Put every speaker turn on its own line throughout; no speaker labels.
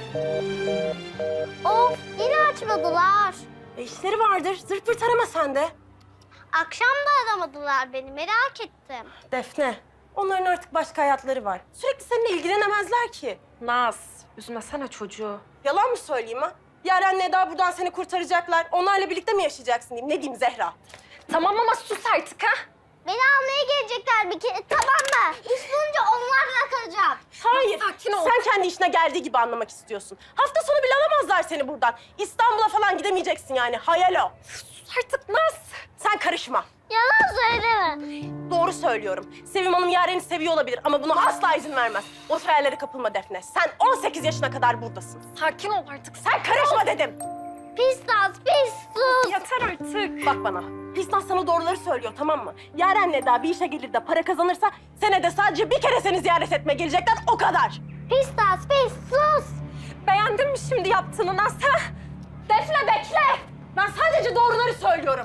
Of, yine açmadılar.
İşleri vardır. Zırt pırt arama sen de.
Akşam da aramadılar beni, merak ettim.
Defne, onların artık başka hayatları var. Sürekli seninle ilgilenemezler ki.
Naz, üzmesene çocuğu.
Yalan mı söyleyeyim ha? Yaren'le Eda buradan seni kurtaracaklar. Onlarla birlikte mi yaşayacaksın diyeyim. Ne diyeyim Zehra?
Tamam ama sus artık ha.
Beni almaya gelecekler bir kere, tamam mı? İş bulunca onlarla kalacağım.
Hayır.
Sakin ol.
Sen kendi işine geldiği gibi anlamak istiyorsun. Hafta sonu bile alamazlar seni buradan. İstanbul'a falan gidemeyeceksin yani. Hayal o.
Sus artık Naz.
Sen karışma.
Yalan söyleme.
Doğru söylüyorum. Sevim Hanım Yaren'i seviyor olabilir ama buna asla izin vermez. O hayallere kapılma Defne. Sen 18 yaşına kadar buradasın.
Sakin ol artık.
Sen karışma dedim.
Pis Naz, pis sus.
Yeter artık.
Bak bana. Pisnas sana doğruları söylüyor, tamam mı? Yaren'le Eda bir işe gelir de para kazanırsa senede sadece bir kere seni ziyaret etmeye gelecekler, o kadar.
Pis Naz, pis sus.
Beğendin mi şimdi yaptığını Naz ha? Defne bekle.
Ben sadece doğruları söylüyorum.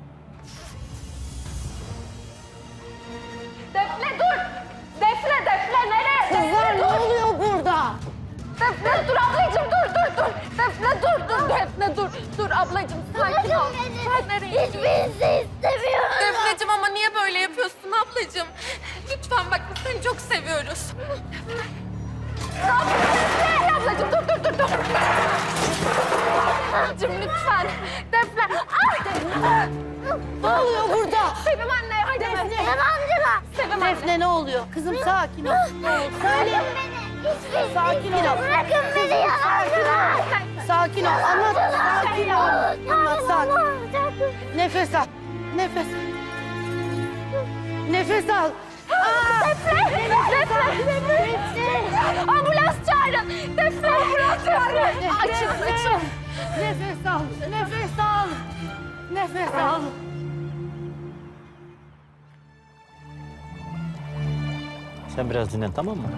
Defne dur. Defne nereye?
Kızlar ne oluyor burada?
Defne dur ablacığım dur. Defne dur. Defne dur ablacığım sakin ol. Sen nereye?
Hiçbirisi istemiyorum.
Defneciğim ama niye böyle yapıyorsun ablacığım? Lütfen bak biz seni çok seviyoruz.
Defne ablacığım dur. Ablacığım lütfen. Defne. Ay.
Ne oluyor burada?
Sevim anne hadi.
Yalancılar.
Sevim anne.
Defne ne oluyor? Kızım sakin ol. Söyle.
Bırakın beni. Hiçbirisi
Sakin ol.
Bırakın beni yalancılar.
Sakin ol. Anlat. Sakin ol. Anlat sakin. Nefes al. Nefes. Nefes al.
Defne. Ambulans çağırın. Defne. Ambulans çağırın. Açın.
Nefes al. Nefes al. Nefes al.
Sen biraz dinlen, tamam mı?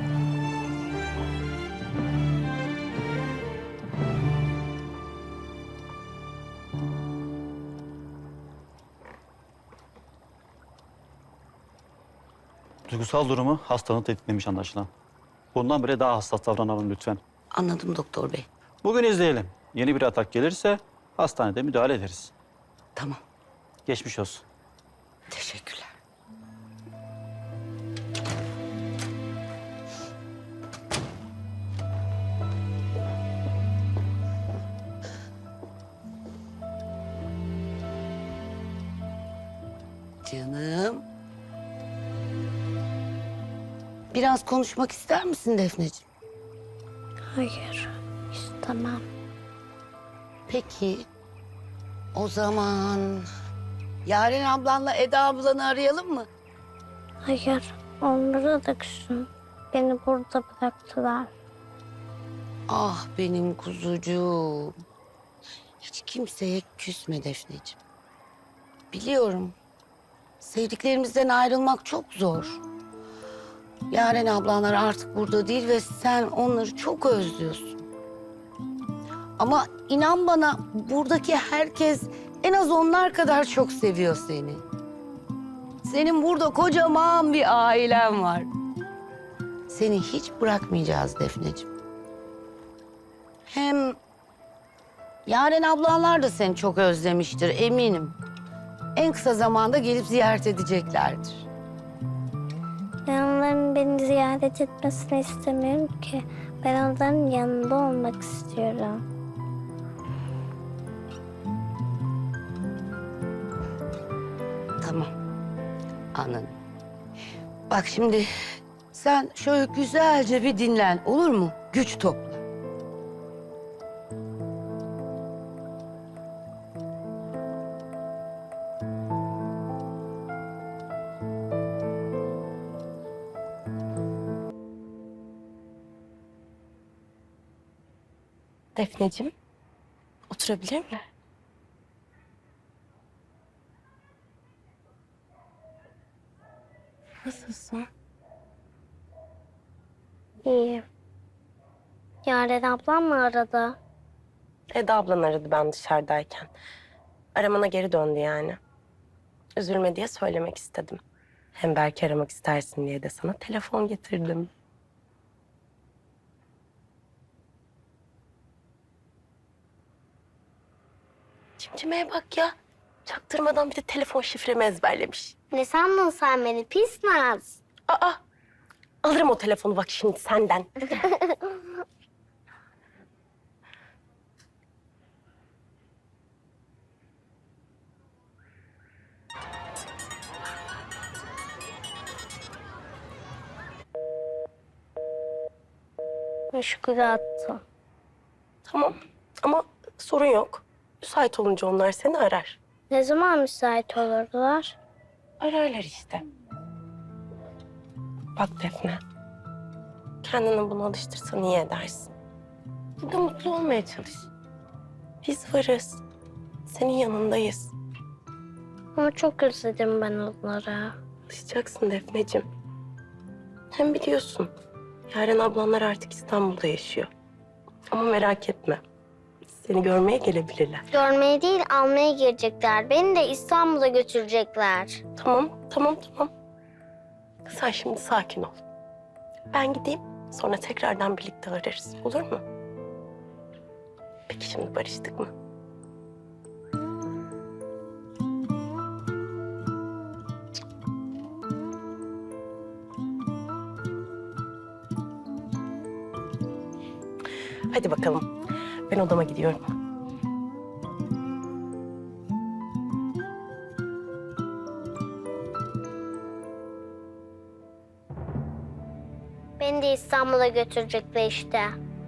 Duygusal durumu hastanın tetiklemiş anlaşılan. Bundan beri daha hassas davranalım lütfen.
Anladım doktor bey.
Bugün izleyelim. Yeni bir atak gelirse hastanede müdahale ederiz.
Tamam.
Geçmiş olsun.
Teşekkürler. Canım. Biraz konuşmak ister misin Defneciğim?
Hayır, istemem.
Peki. O zaman Yaren ablanla Eda ablanı arayalım mı?
Hayır, onlara da küsüm. Beni burada bıraktılar.
Ah benim kuzucuğum. Hiç kimseye küsme Defneciğim. Biliyorum. Sevdiklerimizden ayrılmak çok zor. Yaren ablanlar artık burada değil ve sen onları çok özlüyorsun. Ama inan bana buradaki herkes en az onlar kadar çok seviyor seni. Senin burada kocaman bir ailen var. Seni hiç bırakmayacağız Defneciğim. Hem Yaren ablanlar da seni çok özlemiştir eminim. En kısa zamanda gelip ziyaret edeceklerdir.
Ben onların beni ziyaret etmesini istemiyorum ki. Ben onların yanında olmak istiyorum.
Tamam. Anladım. Bak şimdi sen şöyle güzelce bir dinlen olur mu? Güç topla.
Defneciğim, oturabilir mi? Nasılsın?
İyi. Yaren ablam mı aradı?
Eda ablan aradı ben dışarıdayken. Aramana geri döndü yani. Üzülme diye söylemek istedim. Hem belki aramak istersin diye de sana telefon getirdim. Cimcimeye bak ya. Çaktırmadan bir de telefon şifremi ezberlemiş.
Ne sandın sen beni pis Naz?
Aa, alırım o telefonu bak şimdi senden.
Meşgule attım.
Tamam ama sorun yok. Müsait olunca onlar seni arar.
Ne zaman müsait olurdular?
Ararlar işte. Bak Defne. Kendini buna alıştırsan iyi edersin. Burada mutlu olmaya çalış. Biz varız. Senin yanındayız.
Ama çok özledim ben onları.
Alışacaksın Defneciğim. Hem biliyorsun Yaren ablanlar artık İstanbul'da yaşıyor. Ama merak etme. Seni görmeye gelebilirler.
Görmeye değil almaya gelecekler. Beni de İstanbul'a götürecekler.
Tamam. Sen şimdi sakin ol. Ben gideyim, sonra tekrardan birlikte ararız. Olur mu? Peki şimdi barıştık mı? Hadi bakalım. Ben odama gidiyorum.
Beni de İstanbul'a götürecekler işte.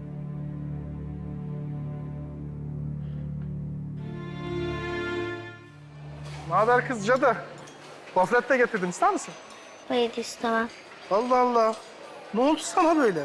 Ne haber kız Cadı? Gofret de getirdim, ister misin?
Hayır istemem.
Allah Allah. Ne oldu sana böyle?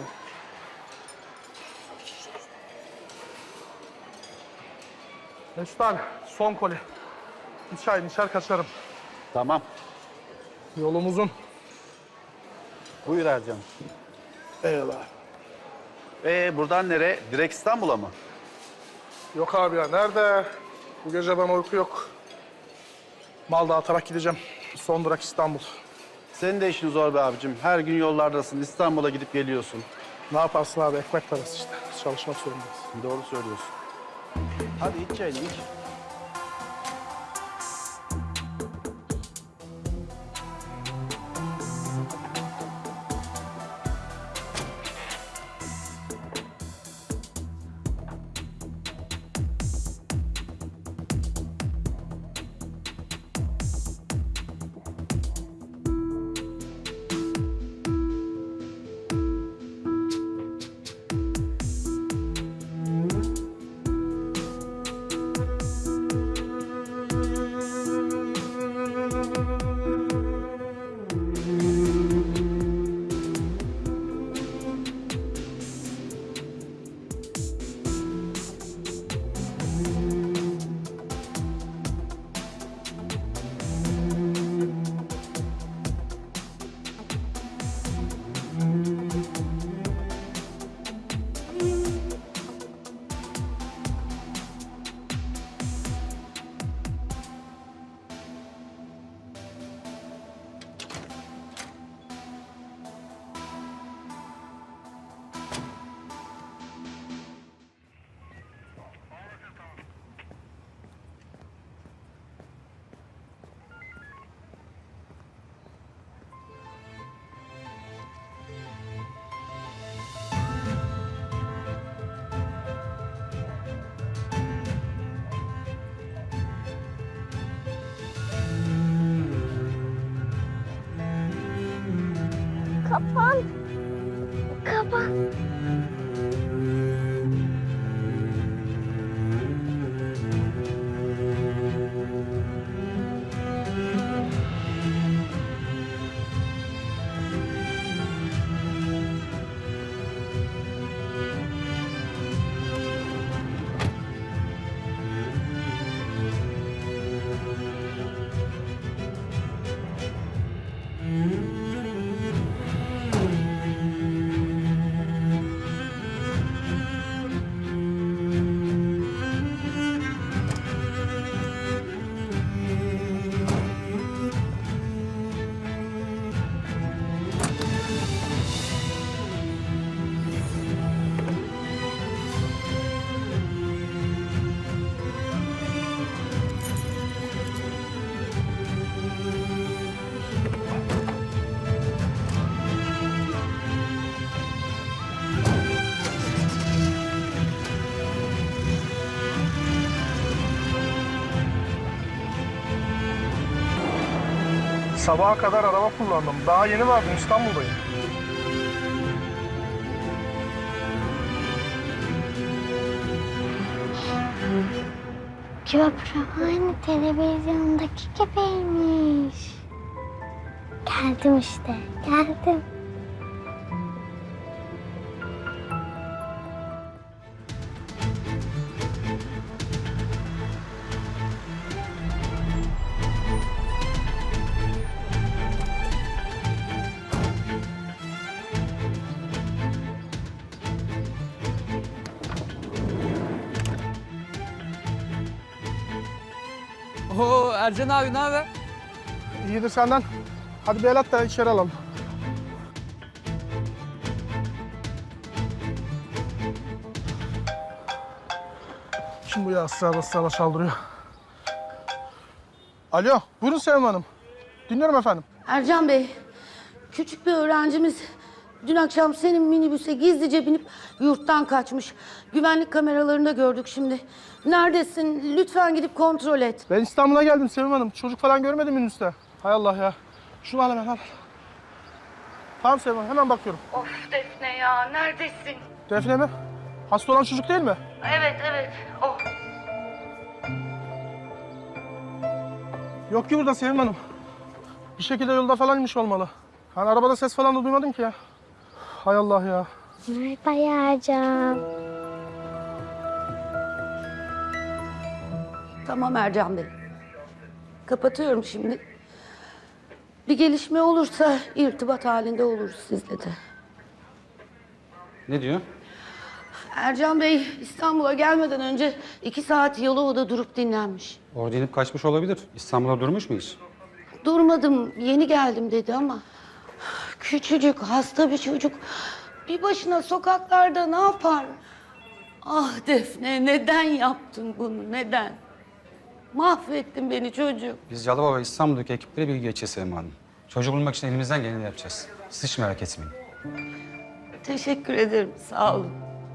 Mesut abi, son koli. Bir çay içer kaçarım.
Tamam.
Yolum uzun.
Buyur Ercan.
Eyvallah.
Buradan nereye? Direkt İstanbul'a mı?
Yok abi ya, nerede? Bu gece bana uyku yok. Mal dağıtarak gideceğim. Son durak İstanbul.
Senin de işin zor be abicim. Her gün yollardasın. İstanbul'a gidip geliyorsun.
Ne yaparsın abi, ekmek parası işte. Biz çalışmak zorundayız.
Doğru söylüyorsun. Hadi iç çayını iç.
Kapan. Kapan.
Sabaha kadar araba kullandım. Daha yeni vardım, İstanbul'dayım.
Köprü aynı televizyondaki gibiymiş. Geldim işte, geldim.
Oo Ercan abi ne haber?
İyidir senden. Hadi bir el at da içeri alalım. Kim bu ya ısrarla çaldırıyor? Alo, buyurun Sevim Hanım. Dinliyorum efendim.
Ercan Bey, küçük bir öğrencimiz dün akşam senin minibüse gizlice binip yurttan kaçmış. Güvenlik kameralarında gördük şimdi. Neredesin? Lütfen gidip kontrol et.
Ben İstanbul'a geldim Sevim Hanım. Çocuk falan görmedim minibüste. Hay Allah ya. Şunu al hemen al. Tamam Sevim Hanım, hemen bakıyorum.
Of Defne ya, neredesin?
Defne mi? Hasta olan çocuk değil mi?
Evet, o.
Yok ki burada Sevim Hanım. Bir şekilde yolda falan inmiş olmalı. Hani arabada ses falan da duymadım ki ya. Hay Allah ya.
Merhaba Yarcan.
Tamam Ercan Bey. Kapatıyorum şimdi. Bir gelişme olursa irtibat halinde oluruz sizle de.
Ne diyor?
Ercan Bey İstanbul'a gelmeden önce 2 saat Yalova'da durup dinlenmiş.
Orada inip kaçmış olabilir. İstanbul'a durmuş mu hiç?
Durmadım, yeni geldim dedi ama... Küçücük, hasta bir çocuk. Bir başına sokaklarda ne yapar? Ah Defne, neden yaptın bunu, neden? Mahvettin beni çocuğum.
Biz Yalova ve İstanbul'daki ekiplere bilgi geçeceğiz Sevim Hanım. Çocuğu bulmak için elimizden geleni yapacağız. Siz hiç merak etmeyin.
Teşekkür ederim, sağ olun.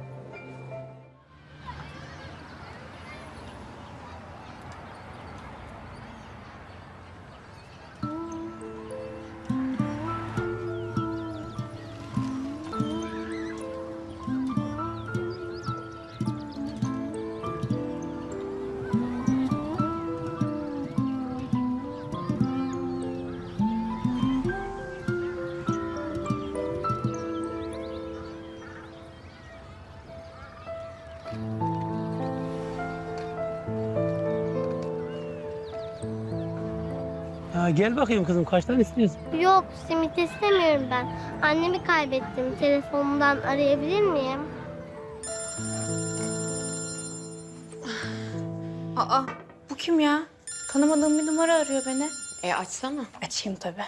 Ya gel bakayım kızım kaç tane istiyorsun?
Yok, simit istemiyorum ben. Annemi kaybettim. Telefonumdan arayabilir miyim?
Aa, bu kim ya? Tanımadığım bir numara arıyor beni.
Açsana.
Açayım tabii.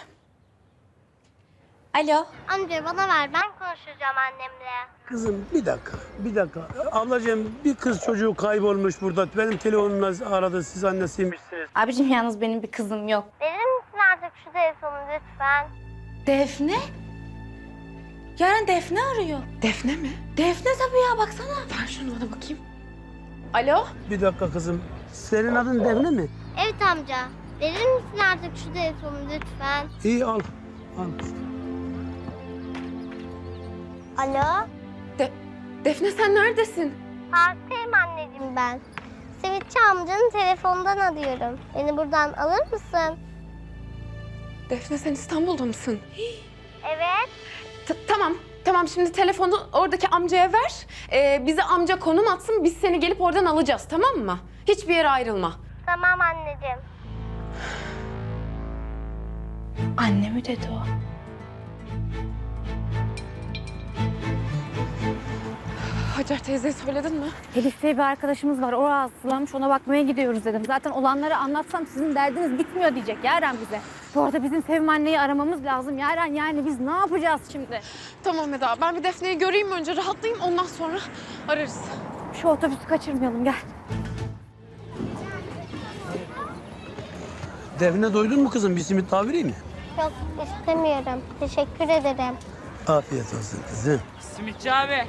Alo.
Amca bana ver, ben konuşacağım annemle.
Kızım bir dakika. Ablacığım bir kız çocuğu kaybolmuş burada. Benim telefonumla aradı, siz annesiymişsiniz.
Abicim yalnız benim bir kızım yok.
Verir misin artık şu telefonu lütfen?
Defne? Yaren Defne arıyor.
Defne mi?
Defne tabii ya baksana.
Ver şunu bana bakayım.
Alo.
Bir dakika kızım. Senin adın Defne mi?
Evet amca. Verir misin artık şu telefonu lütfen?
İyi al. Al.
Alo?
Defne sen neredesin?
Parktayım anneciğim ben. Simitçi amcanın telefonundan arıyorum. Beni buradan alır mısın?
Defne sen İstanbul'da mısın?
Evet.
Tamam şimdi telefonu oradaki amcaya ver. Bize amca konum atsın, biz seni gelip oradan alacağız, tamam mı? Hiçbir yere ayrılma.
Tamam anneciğim.
Anne mi dedi o? Hacer teyzeye söyledin mi?
Elif diye bir arkadaşımız var. O rahatsızlanmış. Ona bakmaya gidiyoruz dedim. Zaten olanları anlatsam sizin derdiniz bitmiyor diyecek Yaren bize. Bu arada bizim Sevim anneyi aramamız lazım Yaren. Yani biz ne yapacağız şimdi?
Tamam Eda, ben bir Defne'yi göreyim önce, rahatlayayım, ondan sonra ararız.
Şu otobüsü kaçırmayalım gel.
Defne doydun mu kızım? Bir simit daha vereyim mi?
Yok istemiyorum. Teşekkür ederim.
Afiyet olsun kızım.
Simitçi abi.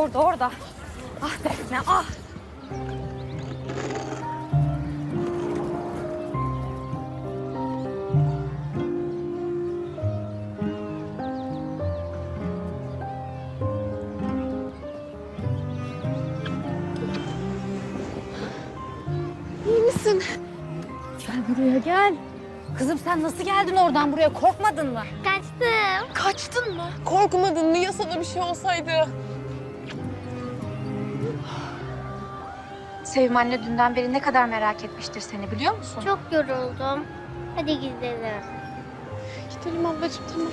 Orada. Ah Defne ah.
İyi misin?
Gel buraya gel. Kızım sen nasıl geldin oradan buraya? Korkmadın mı?
Kaçtım.
Kaçtın mı? Korkmadın mı? Ya sana bir şey olsaydı?
Sevim anne dünden beri ne kadar merak etmiştir seni biliyor musun?
Çok yoruldum. Hadi gidelim.
Gidelim ablacığım, tamam.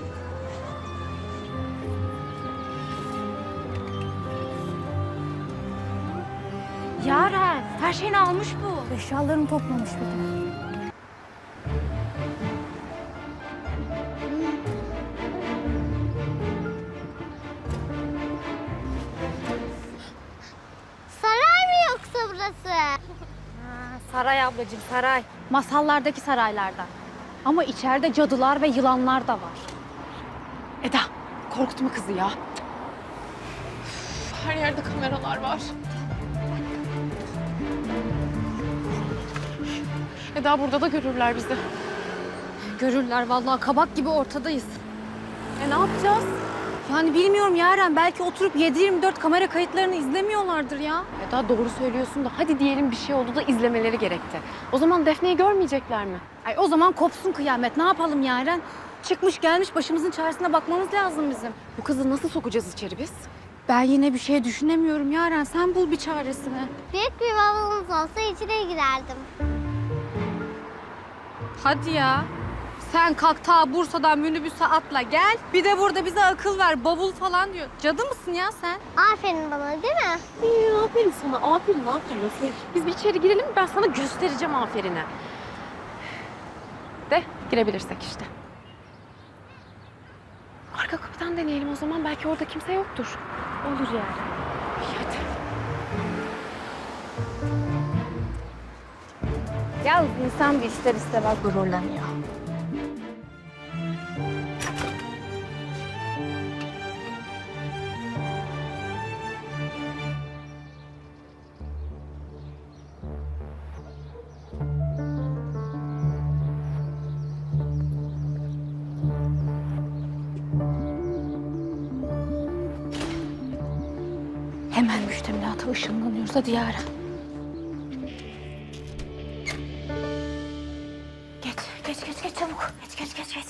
Yaren her şeyini almış bu. Eşyalarını toplamış bir de.
Saray mı yoksa burası?
Saray ablacığım saray. Masallardaki saraylardan. Ama içeride cadılar ve yılanlar da var.
Eda, korkutma kızı ya. Üf, her yerde kameralar var. Eda, burada da görürler bizi.
Görürler vallahi kabak gibi ortadayız.
Ne yapacağız?
Yani bilmiyorum Yaren belki oturup 7/24 kamera kayıtlarını izlemiyorlardır ya.
Eda doğru söylüyorsun da hadi diyelim bir şey oldu da izlemeleri gerekti. O zaman Defne'yi görmeyecekler mi?
Ay o zaman kopsun kıyamet. Ne yapalım Yaren? Çıkmış gelmiş başımızın çaresine bakmamız lazım bizim.
Bu kızı nasıl sokacağız içeri biz?
Ben yine bir şey düşünemiyorum Yaren. Sen bul bir çaresini.
Büyük bir bavulunuz olsa içine girerdim.
Hadi ya. Sen kalk ta Bursa'dan minibüse atla gel. Bir de burada bize akıl ver. Bavul falan diyor. Cadı mısın ya sen?
Aferin bana değil mi?
Aferin sana, aferin. Biz bir içeri girelim, ben sana göstereceğim aferini. De girebilirsek işte. Arka kapıdan deneyelim o zaman, belki orada kimse yoktur.
Olur yani.
Hadi.
Ya insan bir ister istemez gururlanıyor. Hemen müştemilata ışınlanıyoruz. Hadi Yaren. Geç çabuk. Geç.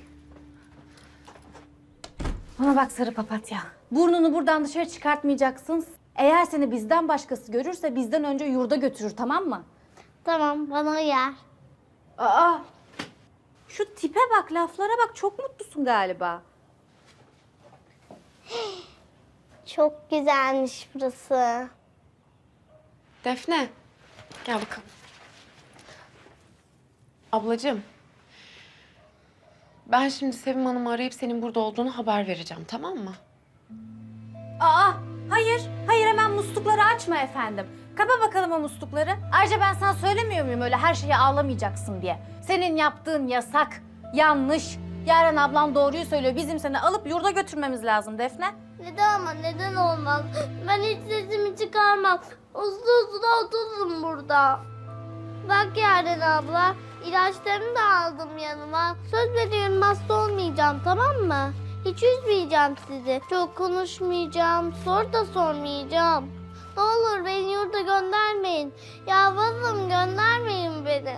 Bana bak sarı papatya. Burnunu buradan dışarı çıkartmayacaksın. Eğer seni bizden başkası görürse bizden önce yurda götürür, tamam mı?
Tamam bana uyar.
Aa! Şu tipe bak, laflara bak. Çok mutlusun galiba.
Çok güzelmiş burası.
Defne, gel bakalım. Ablacığım, ben şimdi Sevim Hanım'ı arayıp senin burada olduğunu haber vereceğim, tamam mı?
Aa! Hayır hemen muslukları açma efendim. Kapa bakalım o muslukları. Ayrıca ben sana söylemiyor muyum öyle her şeye ağlamayacaksın diye. Senin yaptığın yasak, yanlış. Yaren ablam doğruyu söylüyor. Bizim seni alıp yurda götürmemiz lazım Defne.
Neden ama neden olmaz? Ben hiç sesimi çıkarmam. Uzun otururum burada. Bak Yaren abla, ilaçlarımı da aldım yanıma. Söz veriyorum hasta olmayacağım, tamam mı? Hiç üzmeyeceğim sizi. Çok konuşmayacağım, soru da sormayacağım. Ne olur beni yurda göndermeyin. Yalvarırım göndermeyin beni.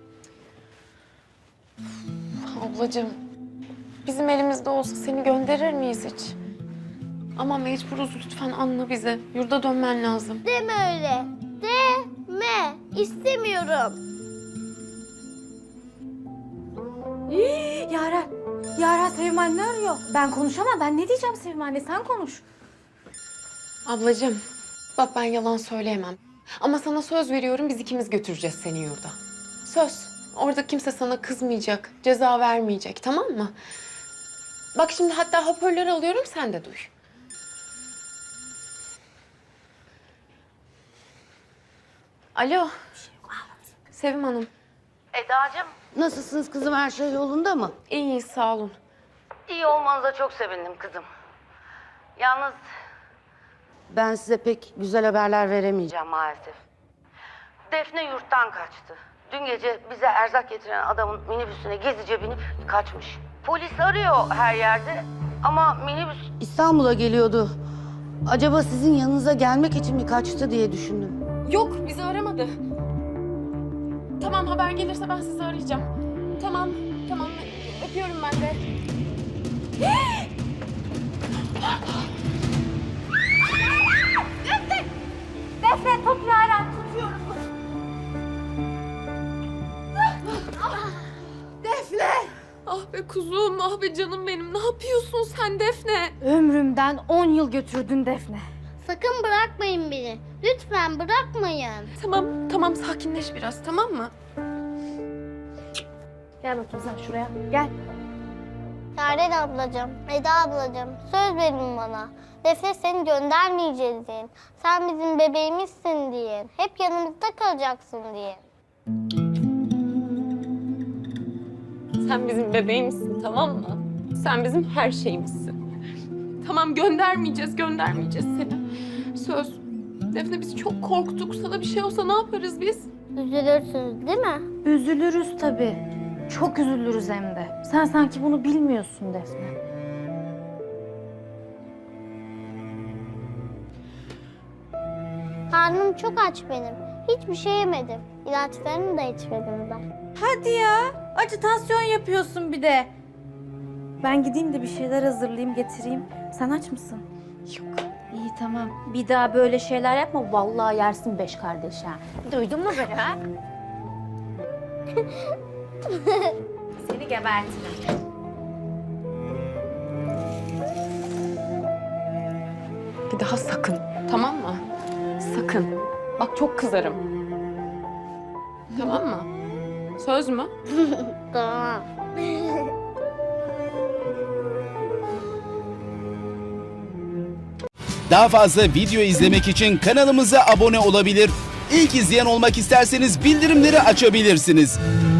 Ablacığım, bizim elimizde olsa seni gönderir miyiz hiç? Ama mecburuz, lütfen anla bizi. Yurda dönmen lazım.
Deme öyle. Deme. İstemiyorum.
Yaren Sevim anne arıyor. Ben konuşamam. Ben ne diyeceğim Sevim anne? Sen konuş.
Ablacığım, bak ben yalan söyleyemem. Ama sana söz veriyorum, biz ikimiz götüreceğiz seni yurda. Söz. Orada kimse sana kızmayacak, ceza vermeyecek, tamam mı? Bak şimdi hatta hoparlör alıyorum, sen de duy. Alo. Sevim Hanım.
Eda'cığım. Nasılsınız kızım? Her şey yolunda mı?
İyiyiz, sağ olun.
İyi olmanıza çok sevindim kızım. Yalnız ben size pek güzel haberler veremeyeceğim maalesef. Defne yurttan kaçtı. Dün gece bize erzak getiren adamın minibüsüne gezice binip kaçmış. Polis arıyor her yerde ama minibüs İstanbul'a geliyordu. Acaba sizin yanınıza gelmek için mi kaçtı diye düşündüm.
Yok, bizi aramadı. Tamam, haber gelirse ben sizi arayacağım. Tamam. Öpüyorum ben de.
Defne tut Yaren, tutuyorum.
Ah be kuzum, ah be canım benim. Ne yapıyorsun sen Defne?
Ömrümden 10 yıl götürdün Defne.
Sakın bırakmayın beni. Lütfen bırakmayın.
Tamam sakinleş biraz, tamam mı?
Gel bakayım sen şuraya. Gel.
Yaren ablacığım, Eda ablacığım söz verin bana. Defne seni göndermeyeceğiz deyin. Sen bizim bebeğimizsin deyin. Hep yanımızda kalacaksın deyin.
Sen bizim bebeğimizsin, tamam mı? Sen bizim her şeyimizsin. Tamam, göndermeyeceğiz seni. Söz. Defne, biz çok korktuk. Sana bir şey olsa ne yaparız biz?
Üzülürsünüz değil mi?
Üzülürüz tabii. Çok üzülürüz hem de. Sen sanki bunu bilmiyorsun Defne.
Karnım çok aç benim. Hiçbir şey yemedim. İlaçlarını da içmedim ben.
Hadi ya. Acitasyon yapıyorsun bir de. Ben gideyim de bir şeyler hazırlayayım, getireyim. Sen aç mısın? Yok. İyi tamam. Bir daha böyle şeyler yapma. Vallahi yersin 5 kardeş ha. Duydun mu beni ha? Seni gebertirim.
Bir daha sakın, tamam mı? Sakın. Bak çok kızarım. Tamam mı? Söz mü?
Tamam.
Daha fazla video izlemek için kanalımıza abone olabilir. İlk izleyen olmak isterseniz bildirimleri açabilirsiniz.